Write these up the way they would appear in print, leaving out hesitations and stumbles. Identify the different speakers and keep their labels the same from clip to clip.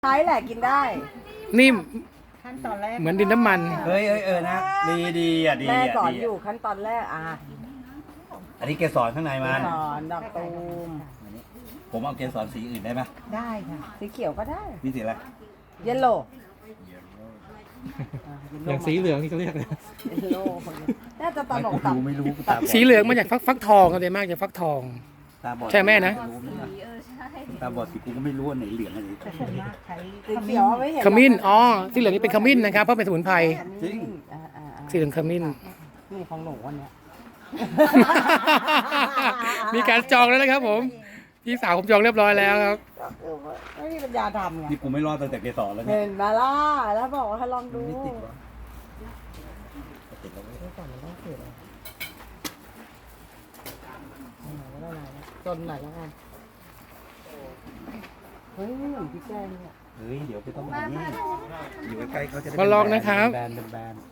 Speaker 1: ใช้แหละกินได้
Speaker 2: นี่
Speaker 1: ขั้นตอนแรก
Speaker 2: เหมือนดินน้ำมัน
Speaker 3: เฮ้ยนะดีอ่ะดี
Speaker 1: แม่
Speaker 3: อ่ะ
Speaker 1: สอน
Speaker 3: ดี
Speaker 1: อยู่ขั้นตอนแรก
Speaker 3: อันนี้เกสรข้างในมัน
Speaker 1: สอนดอกตูม
Speaker 3: ผมเอาเกสรสีอื่นได้ไหม
Speaker 1: ได้ค่ะสีเขียวก็ได้
Speaker 3: นี่สีอะไร
Speaker 1: เยลโล่
Speaker 2: อย่างสีเหลืองที่เขาเรียกเลย
Speaker 1: เยลโล่น่าจะตลกตับ
Speaker 3: ไม่รู้กูตาบอด
Speaker 2: สีเหลืองมาจากฟักทองกันเลยมากจากฟักทอง
Speaker 3: ตาบอด
Speaker 2: ใช่แม่นะ
Speaker 3: ตาบอดสิกูก็ไม่รู้ว่าไหนเหลืองอันไหน
Speaker 1: สีเขียวไม่เห็น
Speaker 2: ขมิ้นอ๋อสีเหลืองนี่เป็นขมิ้นนะครับเพราะเป็นสมุนไพร
Speaker 3: จริง
Speaker 2: สีเหลืองขมิ้น
Speaker 1: นี่ของหนูวันเนี้ย
Speaker 2: มีการจองแล้วนะครับผมพี่สาวผมจองเรียบร้อยแล้วครับ
Speaker 1: ไม่มีปัญญาทำไง
Speaker 3: นี่กูไม่รอดตั้งแต่เกสรแล้วเนี่ย
Speaker 1: เห็นมาล่ะแล้วบอกว่าให้ลองดู
Speaker 3: ไม่ติดวะติดแล้วเว้ย
Speaker 1: ก่อนมันต้องเสียจนหน่อยแล้วกันเฮ้ยไม่เหมือนพี่แกงเนี่ย
Speaker 3: เฮ้ยเดี๋ยวไปต้องแบบนี้อยู่ใกล้ๆเขาจะได้
Speaker 2: มาลองนะครับ
Speaker 3: แบน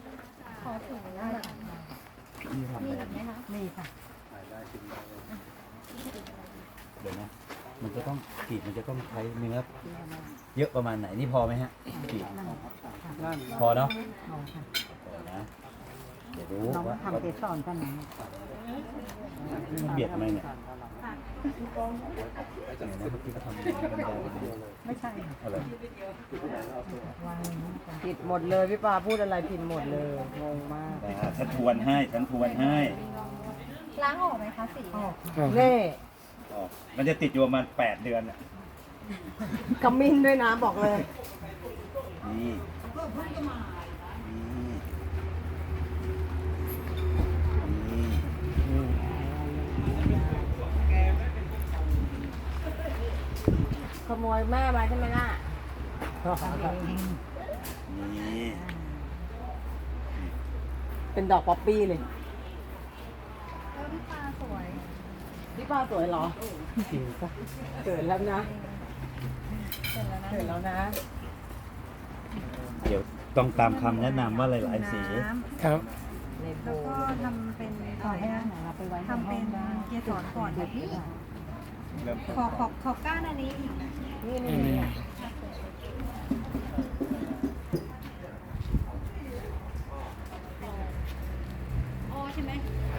Speaker 3: นี่ทำอะไร
Speaker 1: มีค่ะ
Speaker 3: เดี๋ยวนะมันจะต้องกรีดมันจะต้องใช้เนื้อเยอะประมาณไหนนี่พอไหมฮะกรีดพอเนาะพอนะเดี๋ยวรู้
Speaker 1: น้อง
Speaker 3: ว่า
Speaker 1: ทำเกสรกันไหน
Speaker 3: มันเบียดทำไมเนี่ยเนี่ยนะเมื่อกี้ก็ทำเป็นแบนๆ
Speaker 1: ไม่ใช่
Speaker 3: อะไร
Speaker 1: ผิดหมดเลยพี่ปาพูดอะไรผิดหมดเลยงงมาก
Speaker 3: ฉันทวนให้
Speaker 4: ล้างออกไหมคะสี
Speaker 1: เน่
Speaker 3: อ๋อมันจะติดอยู่ประมาณ8 เดือนอ่ะ
Speaker 1: ขมิ้นด้วยนะบอกเลย
Speaker 3: นี่นี่
Speaker 1: ขโมยแม่มาใช่ไหมล่ะ
Speaker 3: นี่
Speaker 1: เป็นดอกป๊อปปี้เลย
Speaker 4: พี่ปลาสวย
Speaker 1: พี่ปาสวยเหรอเกิดแล้วนะ
Speaker 4: เสร็จแล้วนะ
Speaker 1: เกิดแล้วนะ
Speaker 3: เดี๋ยวต้องตามคำแนะนำว่าหลายๆสี
Speaker 2: ครับ
Speaker 1: ในโบ
Speaker 4: แล้วก็ทำเป็น
Speaker 1: ขอให้อาหารเราไปไว้
Speaker 4: ทำเป็นเกสรก่อนแบบนี้
Speaker 3: เริ่ม
Speaker 4: ขอก้านอันนี้อีก
Speaker 1: นี่
Speaker 2: นี่
Speaker 1: นี่
Speaker 2: นี่
Speaker 4: อ๋อใช่ไหม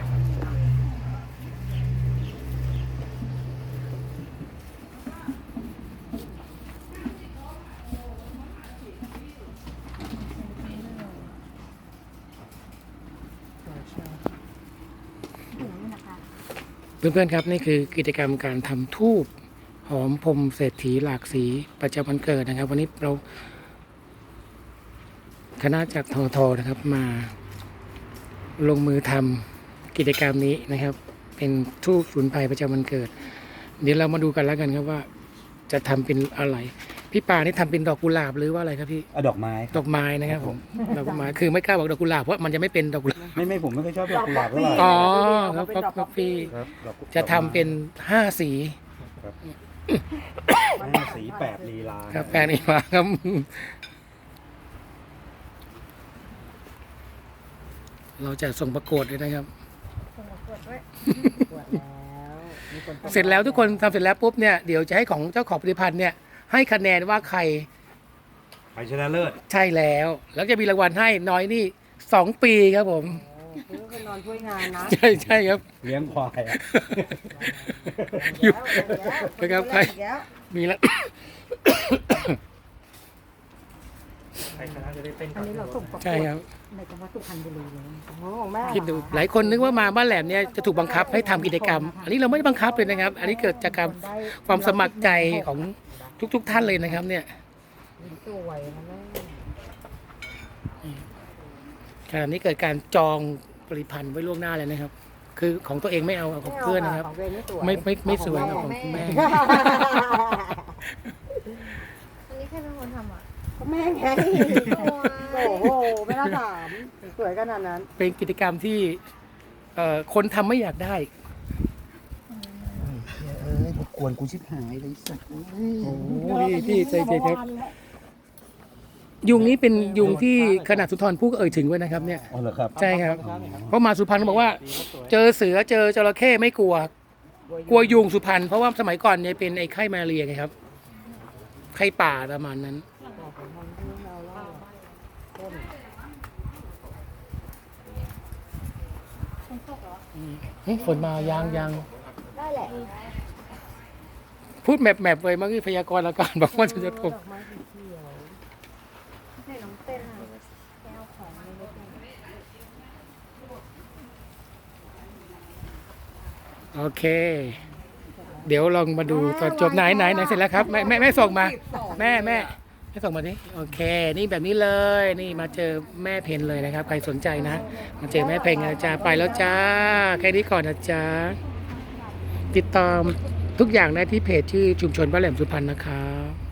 Speaker 2: เพื่อนๆครับนี่คือกิจกรรมการทำทูบหอมพรมเศรษฐีหลากสีประจำวันเกิดนะครับ วันนี้เราคณะจากททนะครับมาลงมือทำกิจกรรมนี้นะครับ เป็นทูบสมุนไพรประจำวันเกิด เดี๋ยวเรามาดูกันแล้วกันครับว่า จะทำเป็นอะไร พี่ปานี่ทำเป็นดอกกุหลาบหรือว่าอะไรครับพี่
Speaker 3: เอาดอกไม้
Speaker 2: ดอกไม้นะครับผมดอกไม้คือไม่กล้าบอกดอกกุหลาบเพราะมันจะไม่เป็นดอกกุหลาบ
Speaker 3: ไม่ผมไม่ค่อยชอบดอกกุหลาบเท่าไหร่
Speaker 2: อ๋อครับครับพี่
Speaker 3: ครับดอก
Speaker 2: จะทำเป็น5 สี
Speaker 3: สี8 ลีลา
Speaker 2: ครับแปลนี้มาครับ เราจะส่งประกวดเลยนะครับ
Speaker 1: ปวดแล้วมีคนต้อง
Speaker 2: เสร็จแล้วทุกคนทำเสร็จแล้วปุ๊บเนี่ยเดี๋ยวจะให้ของเจ้าของผลิตภัณฑ์เนี่ยให้คะแนนว่าใคร
Speaker 3: ไปชนะเลิศ
Speaker 2: ใช่แล้ว แล้วจะมีรางวัลให้น้อยนี่2 ปีครับผม
Speaker 1: โอ้คือเป็นนอนช่วยงานนะ
Speaker 2: ใช่ครับ
Speaker 3: เลี้ยงควายอะ
Speaker 2: อยู่
Speaker 1: แล้ว
Speaker 2: นะครับใคร
Speaker 1: อีกแล้ว
Speaker 2: มีแล้ว
Speaker 1: อันนี้เราส่งประกวด
Speaker 2: ใช่ครับ
Speaker 1: ในจังหวัดสุพรรณบุรีเลยโอ้ของแม่
Speaker 2: คิดดูหลายคนนึกว่ามาบ้านแหลมเนี่ยจะถูกบังคับให้ทำกิจกรรม อันนี้เราไม่ได้บังคับเลยนะครับ อันนี้เกิดจากความสมัครใจของทุกๆท่านเลยนะครับ เนี่ย
Speaker 1: สวยนะแม่
Speaker 2: ขณะนี้เกิดการจองผลิตภัณฑ์ไว้ล่วงหน้าเลยนะครับ คือของตัวเองไม่เอาของเพื่อนนะครับ
Speaker 1: ของเวไม่สวย
Speaker 2: ไม่สวยครับของคุณแม่
Speaker 4: อันนี้ใครเป็นคนทำอ่ะ
Speaker 1: ของแม่ไงโอ้โหไม่น่าถามสวยขนาดนั้น
Speaker 2: เป็นกิจกรรมที่คนทำไม่อยากได้
Speaker 3: กวนกูชิบหายเลยสัตว์
Speaker 2: โอ้พี่ใจครับ ยุงนี้เป็นยุงที่ขนาดสุนทรภู่ก็เอ่ยถึงไว้นะครับเนี่ย
Speaker 3: อ๋อเหรอครับ
Speaker 2: ใช่ครับ เพราะมาสุพรรณเขาบอกว่า เจอเสือเจอจระเข้ไม่กลัว กลัวยุงสุพรรณเพราะว่าสมัยก่อนเนี่ยเป็นไอ้ไข้มาลาเรียไงครับไข่ป่าประมาณนั้น
Speaker 1: บอกผมมันไม่เอาเหล้าต้น
Speaker 2: เฮ้ยฝนมายาง
Speaker 1: ได้แหละ
Speaker 2: พูดแมปเลยเมื่อกี้พยากรณ์อากาศบอกว่าจะตก
Speaker 1: ดอกไม้สีเขียว
Speaker 4: ใส่น้องเต้นอะแก้วของในรถเนี่ย
Speaker 2: โอเค เดี๋ยวลองมาดูตอนจบไหนเสร็จแล้วครับแม่ส่งมา แม่ส่งมาดิโอเค นี่แบบนี้เลย นี่มาเจอแม่เพนเลยนะครับ ใครสนใจนะ มาเจอแม่เพนนะจ๊ะไปแล้วจ้าแค่นี้ก่อนนะจ๊ะติดตามทุกอย่างได้ที่เพจชื่อชุมชนบ้านแหลมสุพรรณนะครับ